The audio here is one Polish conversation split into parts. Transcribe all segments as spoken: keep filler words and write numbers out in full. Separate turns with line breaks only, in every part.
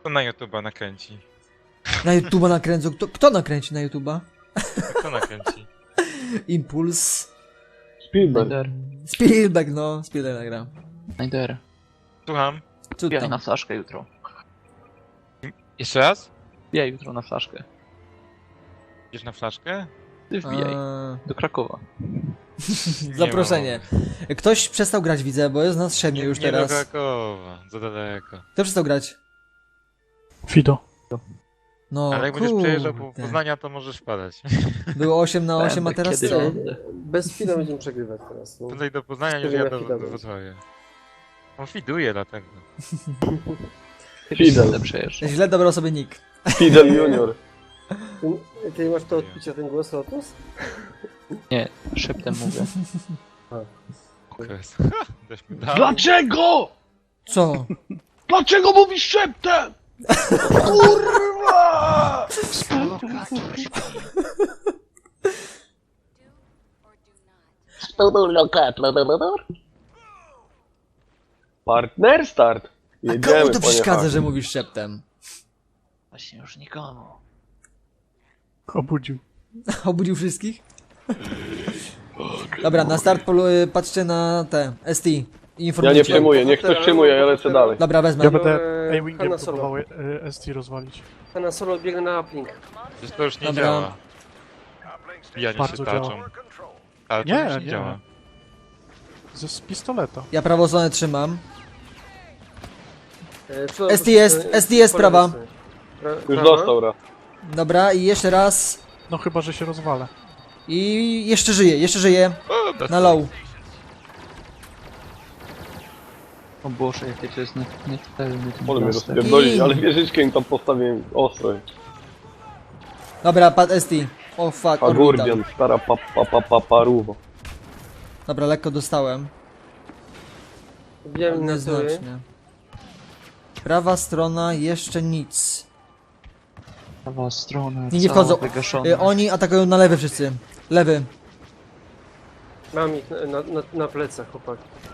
Kto na YouTube'a nakręci?
Na YouTube'a nakręcą. Kto, kto nakręci na YouTube'a?
Kto nakręci?
Impuls.
Spielberg.
Snyder.
Spielberg, no. Spielberg nagra.
Snyder.
Słucham?
Co
Wbijaj
tam?
na flaszkę jutro.
Jeszcze raz?
Wbijaj jutro na flaszkę.
Idziesz na flaszkę?
Ty wbijaj.
A,
Do Krakowa.
zaproszenie. Ktoś przestał grać, widzę, bo jest nas siedmiu
Nie,
już
nie
teraz.
do Krakowa, za daleko.
Kto przestał grać?
Fido.
No,
Ale jak będziesz przejeżdżał po
kurde.
Poznania, to możesz wpadać.
Było osiem na osiem, a
Będę,
teraz
kiedy
co?
będę.
Bez chwila będziemy przegrywać teraz. No.
Tutaj do Poznania niż
Wtedy
ja
na
do,
Fida
do
będzie.
Wrocławia. On fiduje dlatego.
Kiedyś
Fidel.
będę przejeżdżał.
Źle dobrał sobie nick.
Fidel Junior. Ty, ty masz to odpicie, ten głos Lotus?
Nie, szeptem mówię.
Okres. Daś mi dał.
Dlaczego?
Co?
Dlaczego mówisz szeptem? Kurwa!
Partner start.
A komu
Jedziemy,
to
panie
przeszkadza,
Hak.
że mówisz szeptem?
Właśnie już nikomu.
Obudził.
Obudził wszystkich? Dobra, na start polu y, patrzcie na te S T.
Ja
Informujcie.
nie przejmuję, niech ktoś przejmuje, ja lecę dalej.
Dobra, wezmę.
Ja będę
Eee,
A-Wingiem
Hanna Solo.
próbował e, S T rozwalić.
Na solo biegnę na uplink.
Przecież to już nie
Dobra.
działa. Bijanie się
Bardzo
tarczą.
działa.
Tarczą
Nie,
już nie,
nie.
działa.
Ze z pistoleta.
Ja prawą stronę trzymam.
E,
S T jest, S T jest prawa.
Już dostał raz.
Dobra, i jeszcze raz.
No chyba, że się rozwalę.
I jeszcze żyje, jeszcze żyje.
O, bez-
Na low.
O Boże, jakie to jest nie- nietykalny ten
Ole mnie
blaster.
rozpierdolić, ale wieżyczkę im tam postawiłem ostro.
Dobra, pad S T. O fuck, orbital.
Agurbian, stara pa, pa, pa, pa, paruwo.
Dobra, lekko dostałem.
Wiem na tyły.
Nieznacznie. Prawa strona jeszcze nic.
Prawa strona,
Nie, nie
cała
wchodzą.
wygaszona.
Y, oni atakują na lewy wszyscy. Lewy.
Mam ich na, na, na, na plecach, chłopak.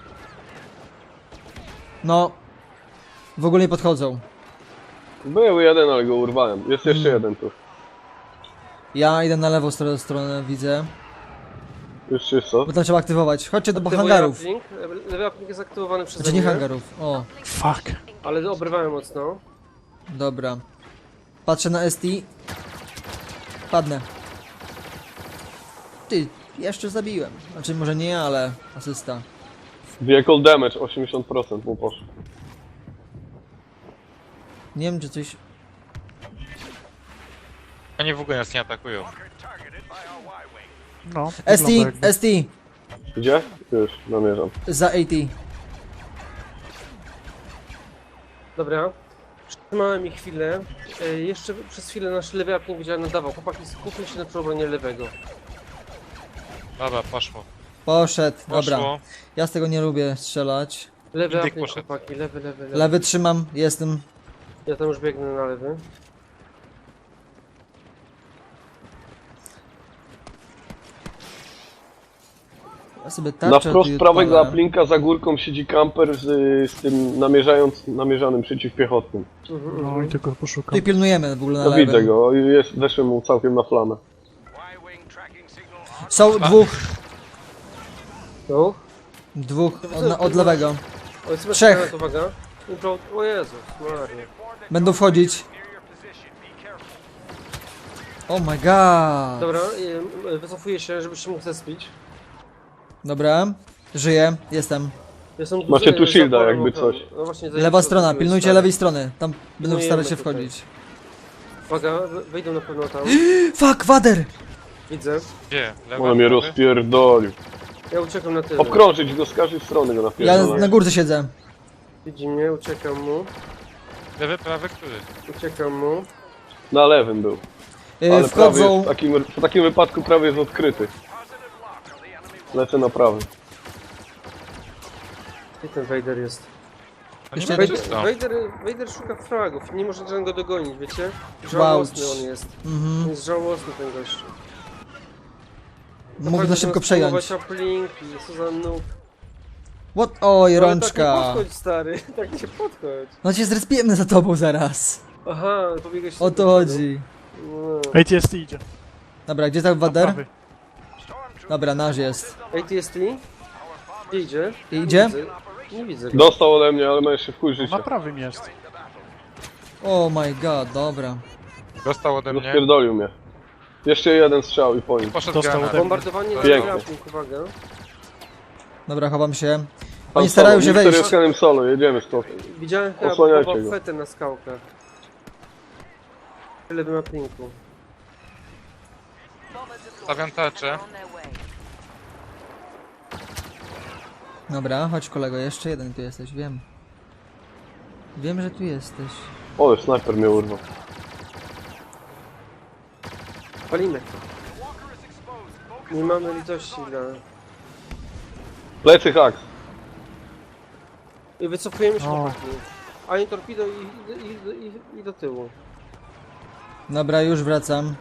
No. W ogóle nie podchodzą.
Był jeden, ale go urwałem. Jest jeszcze jeden tu.
Ja idę na lewą stronę, stronę widzę.
Już jest co?
Bo tam trzeba aktywować. Chodźcie do
Lewy
hangarów.
uplink, lewy uplink jest aktywowany przez
Znaczy nie hangarów. O,
Fuck.
Ale obrywałem mocno.
dobra. Patrzę na S T. Padnę. Ty, jeszcze zabiłem. Znaczy może nie ja, ale asysta.
Vehicle damage, osiemdziesiąt procent mu poszło.
Nie wiem czy coś...
Oni w ogóle nas nie atakują.
No.
S T,
wygląda jakby-
S T.
Gdzie? Już, namierzam.
Za A T.
Dobra. Trzymałem ich chwilę. E, jeszcze przez chwilę nasz lewy uplink widziałem nadawał. Chłopaki, skupmy się na przeobronie lewego.
Dobra, poszło.
Poszedł, dobra.
Poszło.
Ja z tego nie lubię strzelać.
Lewy
Indyk
uplink,
poszedł.
chłopaki, lewy, lewy, lewy.
Lewy trzymam, jestem.
Ja tam już biegnę na lewy.
Ja sobie
Na
tarczę
wprost
tu
prawego
odpalę.
uplinka za górką siedzi kamper z, z tym namierzając, namierzanym przeciwpiechotnym. Mhm,
No
mhm.
i tego poszukam.
Tutaj pilnujemy w ogóle na
No
lewym.
widzę go, jest, weszłem mu całkiem na flamę.
Są dwóch,
No.
dwóch od, na- od lewego.
Oj, sobie
Trzech.
skręt, uwaga. Impro... O Jezus, Maria.
Będą wchodzić. Oh my god.
Dobra, y, wycofuję się, żebyś mógł zespić.
Dobra, żyję, jestem.
Jestem Macie tu za shielda, porą jakby ochroną. coś. No właśnie,
Lewa strona, pilnujcie
lewej.
lewej strony. Tam będą
Pilnujemy
starać się
tutaj.
wchodzić.
Uwaga, we- wejdą na pewno tam.
Fuck, wader!
Widzę.
Gdzie? Lewa,
On mnie
prawy?
rozpierdolił.
No
Ja uciekam na tyle. Obkrążyć go z każdej strony go
Ja
napierdolę.
na górce siedzę.
Widzi mnie, uciekam mu.
Lewy, prawy, który?
Uciekam mu. Na lewym był.
Yy,
Ale prawy
wchodzą.
jest, w, takim, w takim wypadku prawy jest odkryty. Lecę na prawy. Gdzie ten Vader jest?
Oni
Jeszcze
mają
jeden.
czysto.
Vader, Vader szuka fragów. Nie może żadnego dogonić, wiecie? Żałosny
Gwałć.
on jest.
Mhm.
On jest żałosny ten gość.
Mógł na szybko przejąć.
Uplink, co za noob.
What? Oj,
Ale
rączka.
Tak nie podchodź, stary, tak nie podchodź.
No cię zrespiemy za tobą zaraz.
Aha, pobiegłeś...
O to chodzi.
No.
A T S T idzie.
Dobra, gdzie tam Wader?
Prawy.
Dobra, nasz jest.
A T S T? Gdzie idzie?
Idzie?
Nie widzę. Nie widzę go.
Dostał ode mnie, ale ma jeszcze w chuj
Na
życia.
prawym jest.
Oh my god, dobra.
Dostał ode mnie.
Rozpierdolił mnie. Jeszcze jeden strzał i po nim.
Poszedł
Dostał
granat.
ode mnie.
Bombardowanie na
Pięknie.
grappling, uwaga.
Dobra, chowam się.
Tam
Oni starają się
solo.
wejść.
Mikser jest solo, jedziemy stąd.
Widziałem chyba
Osłaniajcie
Boba
go.
Fettę na skałkach. W lewym aplinku.
Stawiam tarczę.
Dobra, chodź kolego, jeszcze jeden tu jesteś, wiem. Wiem, że tu jesteś.
O, snajper mnie urwał.
Palimy. Nie mamy litości dla...
Plecy haks.
I wycofujemy się
O.
chłopaki. Ani torpedo i, i, i, i, i do tyłu.
Dobra, już wracam.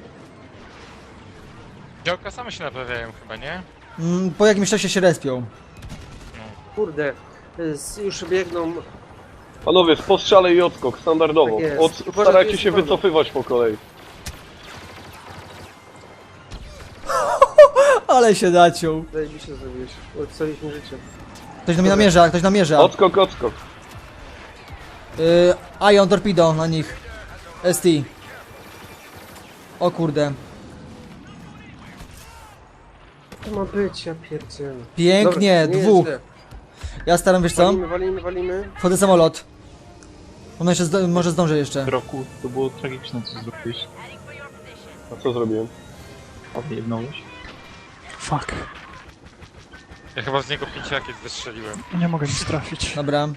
Działka same się naprawiają chyba, nie?
Mm, po jakimś czasie się respią.
Kurde, z, już biegną...
Panowie, z postrzale i odskok, standardowo.
Tak jest.
Od,
Uważaj, tu
starajcie
jest
się
prawo.
wycofywać po kolei.
Ale się daciął.
Zajebiście zrobiłeś. Odstaliśmy życie.
Ktoś na mnie namierza, ktoś namierza.
Odskok, odskok.
Yy, Ion Torpedo na nich. S T. O kurde.
To ma być, ja pierdzielę.
Pięknie,
Dobra, nie
dwóch.
jest
Ja staram, wiesz
źle.
co?
Walimy, walimy, walimy.
Wchodzę w samolot. Ona jeszcze zdo może zdąży jeszcze.
Roku, to było tragiczne, co zrobiłeś.
A co zrobiłem?
Odjebnąłeś.
Fuck.
Ja chyba z niego pięć rakiet wystrzeliłem.
Nie mogę nic trafić.
Dobra.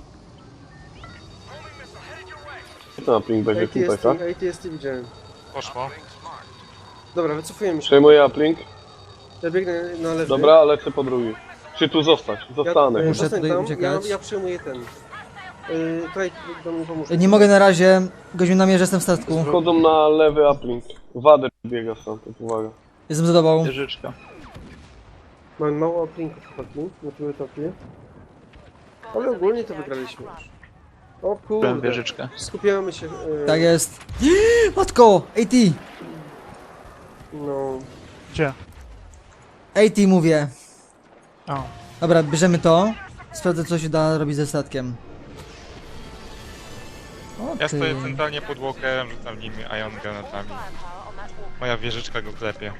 Co na ping będzie tutaj,
A T S T,
tak?
A T S T widziałem.
Poszło.
Dobra, wycofujemy się.
Przejmuję uplink.
Ja biegnę na lewy.
Dobra, lecę po drugi. Czy tu zostać? Zostanę.
Ja,
Muszę
zostań
tutaj
tam, ja,
uciekać.
ja przyjmuję ten. Yy, tutaj do mnie pomóż.
Nie mogę na razie. Gość mi namierza, jestem w statku.
Wchodzą na lewy uplink. Wader biega stamtąd, uwaga.
Jestem za tobą.
Wieżyczka.
Mamy mało oplinków chłopaki na tym etapie. Ale ogólnie to wygraliśmy już. O
Byłem
kurde.
wieżyczkę.
Skupiamy się. Yy,
Tak jest. Matko! A T!
No.
Gdzie?
A T mówię.
O.
Dobra, bierzemy to. Sprawdzę, co się da robić ze statkiem. O,
Ja
ty.
stoję centralnie pod walkerem, rzucam nimi ion granatami. Moja wieżyczka go klepie.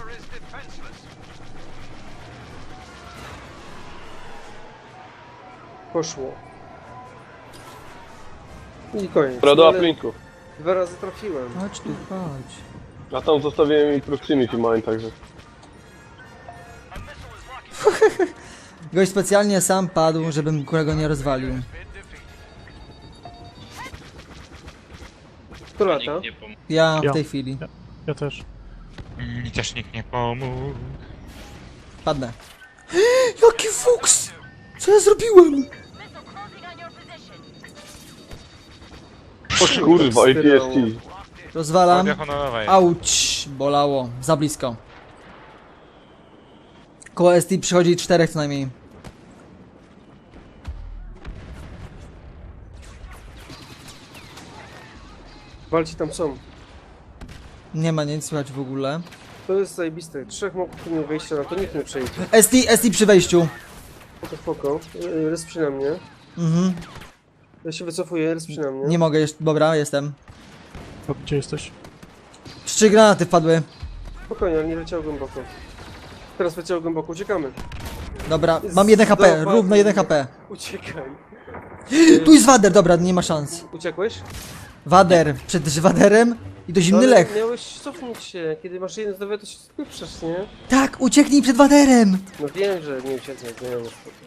Poszło. I koniec.
Dobra, do
No, ale
uplinku.
Dwa razy trafiłem.
Chodź tu, chodź.
A tam zostawiłem im proximity mine, także.
Gość specjalnie sam padł, żebym którego nie rozwalił.
Kto lata?
Ja
Ja.
w tej chwili.
Ja też.
Mi też nikt nie pomógł.
Padnę. Jaki fuks! Co ja zrobiłem?
Kurwa, A T S T.
Rozwalam.
Guardia honorowa jest.
Auć! Bolało. Za blisko. Koło S T przychodzi czterech co najmniej.
Walci tam są.
Nie ma nic słychać w ogóle.
To jest zajebiste. Trzech mogów nie wejścia na to, nikt nie przejdzie.
S T, S T przy wejściu.
Spoko, spoko. Yy, Resp przy na mnie.
Mhm.
Ja się wycofuję, resp przy na mnie.
Nie mogę jeszcze. Dobra, jestem.
O, gdzie jesteś?
Trzy granaty wpadły.
Spokojnie, ale nie leciał głęboko. Teraz leciał głęboko, uciekamy.
Dobra, mam jeden H P.
Zdobył.
Równo jeden H P.
Uciekaj.
Tu jest Wader, dobra, nie ma szans.
Uciekłeś?
Wader, przed Waderem i to zimny
Ale
lech.
Miałeś cofnąć się. Kiedy masz jeden zdrowia, to się spieprzesz, nie?
Tak, ucieknij przed Waderem.
No wiem, że nie ucieknę, nie mam spoko.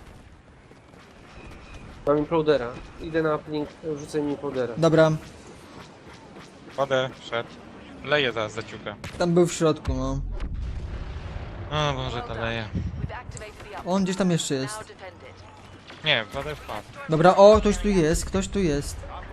Mam implodera. Idę na uplink, rzucę mi implodera.
Dobra,
Wadę, wszedł. Leje zaraz zaciuka.
tam był w środku, no.
O Boże, ta leje.
On gdzieś tam jeszcze jest.
Nie, wadę wpadł.
Dobra, o, ktoś tu jest, ktoś tu jest.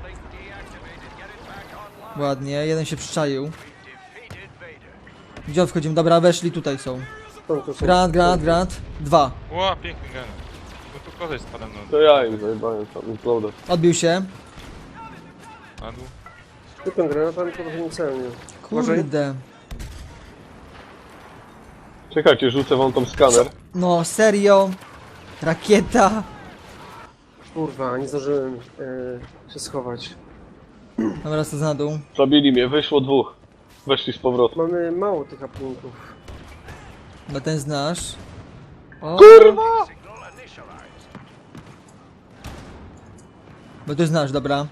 Ładnie, jeden się przyczaił. Gdzie on wchodzimy? Dobra, weszli, tutaj są.
Są, to są.
Granat, granat, granat. Dwa.
Ło, piękny granat. koleś spada na
To ja im zajebałem tam, imploder.
Odbił się.
na dół.
Tylko granatami to trochę niecelnie. Uważaj.
Kurde.
Czekajcie, rzucę wam tam skaner.
No, serio? Rakieta?
Kurwa, nie zdążyłem e, się schować.
Dobra, to na dół.
Zabili mnie, wyszło dwóch. Weszli z powrotem.
Mamy mało tych aplinków.
No ten znasz. O,
Kurwa!
bo ty znasz, dobra.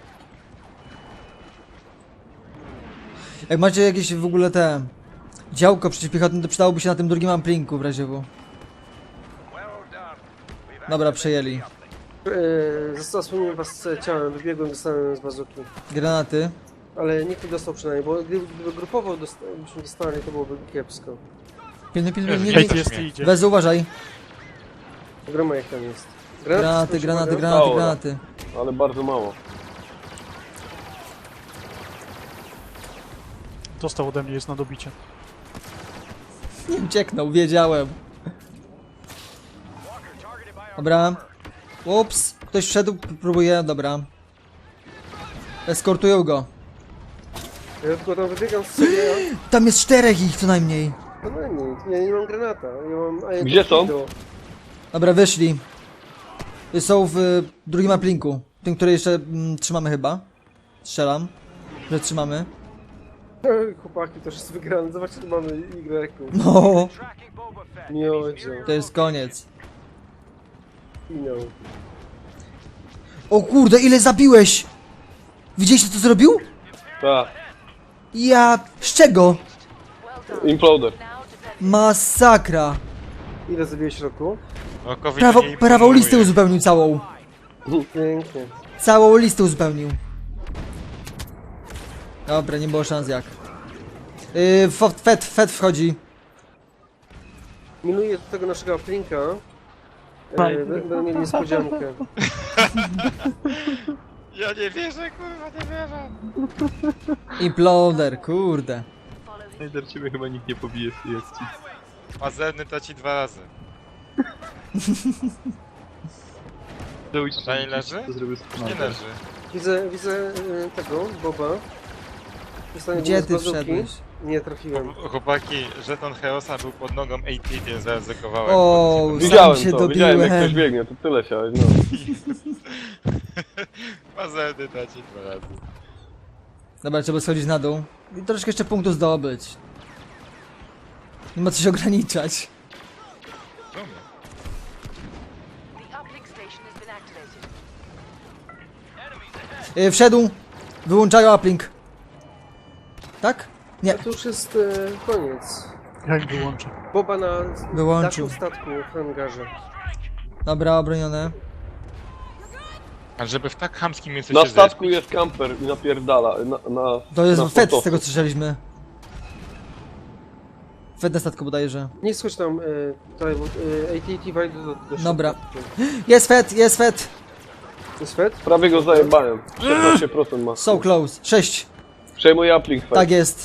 Jak macie jakieś w ogóle te... działko przeciwpiechotne, to przydałoby się na tym drugim amplinku w razie W. Dobra, przejęli.
E, Zasłoniłem was ciałem, wybiegłem, dostałem z bazuki.
Granaty.
Ale nikt nie dostał przynajmniej, bo gdyby, gdyby grupowo dosta byśmy dostali, to byłoby kiepsko.
Pilnuj, pilnuj,
Jezu,
nie,
Ej,
nie,
to
nie.
jest-
Jest i idzie.
Wezu, uważaj.
Groma jak tam jest.
Granaty,
coś
granaty,
uwaga?
granaty,
Dobra.
granaty.
Ale bardzo mało.
Dostał ode mnie, jest na dobicie.
Nie ucieknął, wiedziałem. Dobra. Ups, ktoś wszedł, p- próbuje, dobra. Eskortują go.
Ja tylko tam wybiegam z sobie,
Tam jest czterech ich co najmniej.
a no nic, ja nie mam granata, ja mam... A ja
Gdzie są?
torpedo.
Dobra, wyszli. Są w y, drugim aplinku. Tym, który jeszcze mm, trzymamy chyba. Strzelam, że trzymamy.
Chłopaki, to już jest wygrane, zobaczcie, tu mamy Y.
No,
Nie odzie,
to jest koniec.
finał.
O kurde, ile zabiłeś! Widzieliście co zrobił?
Tak,
Ja... z czego?
imploder.
Masakra.
Ile zabiłeś roku?
Rokowi
Prawo,
to nie
prawą
imponuje.
listę uzupełnił całą.
Pięknie.
Całą listę uzupełnił. Dobra, nie było szans jak. Yy, Fed, Fed, Fed wchodzi.
Minuję do tego naszego aplinka. E, będą mieli niespodziankę.
Ja nie wierzę, kurwa, nie wierzę.
Imploder, kurde.
Najder, ciebie chyba nikt nie pobije z tej akcji.
Pazerny to ci dwa razy. Dani leży?
To zrobił
Nie leży.
Widzę, widzę e, tego, Boba. Dostanie
Gdzie
z
ty
bazuki.
wszedłeś?
Nie trafiłem.
Chłopaki, żeton Chaosa był pod nogą A T, więc zaryzykowałem.
O,
Sam
Widziałem
się
to, widziałem jak
dobiłem.
ktoś biegnie, to tyle się, no.
Pazerny to ci dwa razy.
Dobra, trzeba schodzić na dół. I troszkę jeszcze punktów zdobyć. Nie ma co się ograniczać.
Czemu?
Yy, wszedł. Wyłączają uplink. Tak? Nie.
To już jest e, koniec.
Ja ich wyłączę.
Boba na
Wyłączył.
dachu statku w hangarze.
Dobra, obronione.
A żeby w tak chamskim miejscu
Na
się
statku
zespić.
jest kamper i napierdala. Na, na,
To jest
na
Fed z
sportowcu.
tego co słyszeliśmy. Fed na statku bodajże.
Nie schodź tam, e, tutaj, bo e, A T T wejdzie do, do
Dobra.
środka.
Jest Fed, jest Fed.
Jest Fed?
Prawie go zajebałem. szesnaście procent ma.
So close. sześć.
Przejmuję uplink, Fed.
Tak jest.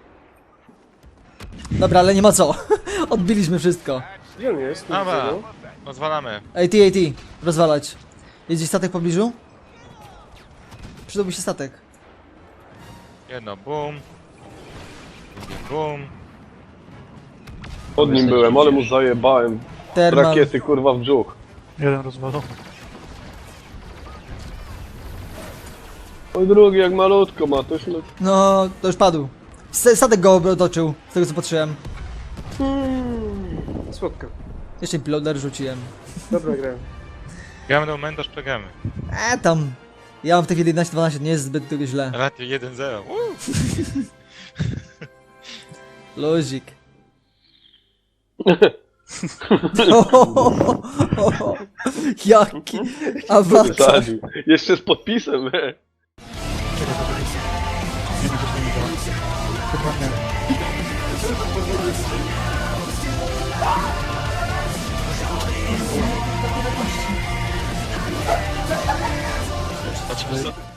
Dobra, ale nie ma co. Odbiliśmy wszystko.
Gdzie on jest? Nie
Dobra,
widzę go.
pozwalamy.
A T, A T. Rozwalać. Jest gdzieś statek w pobliżu? Przydałby się statek.
Jedno boom. Drugie boom.
Pod nim byłem, ale mu zajebałem.
Termal.
Rakiety kurwa w brzuch.
Jeden rozwalony.
Oj drugi jak malutko ma, to już... le-
No, to już padł. S- Statek go otoczył, z tego co patrzyłem.
Hmm, słodka.
Jeszcze imploder rzuciłem.
Dobra gra.
Gramy do momentu, aż przegramy.
E tam. Ja mam w tej chwili jedenaście dwanaście, nie jest zbyt źle.
Ratio jeden zero. Uuu.
Luzik. Jaki awatar.
Wysadził. Jeszcze z podpisem, e.
Nie wiem, że to nie działa. Chyba nie.
Patrzmy co.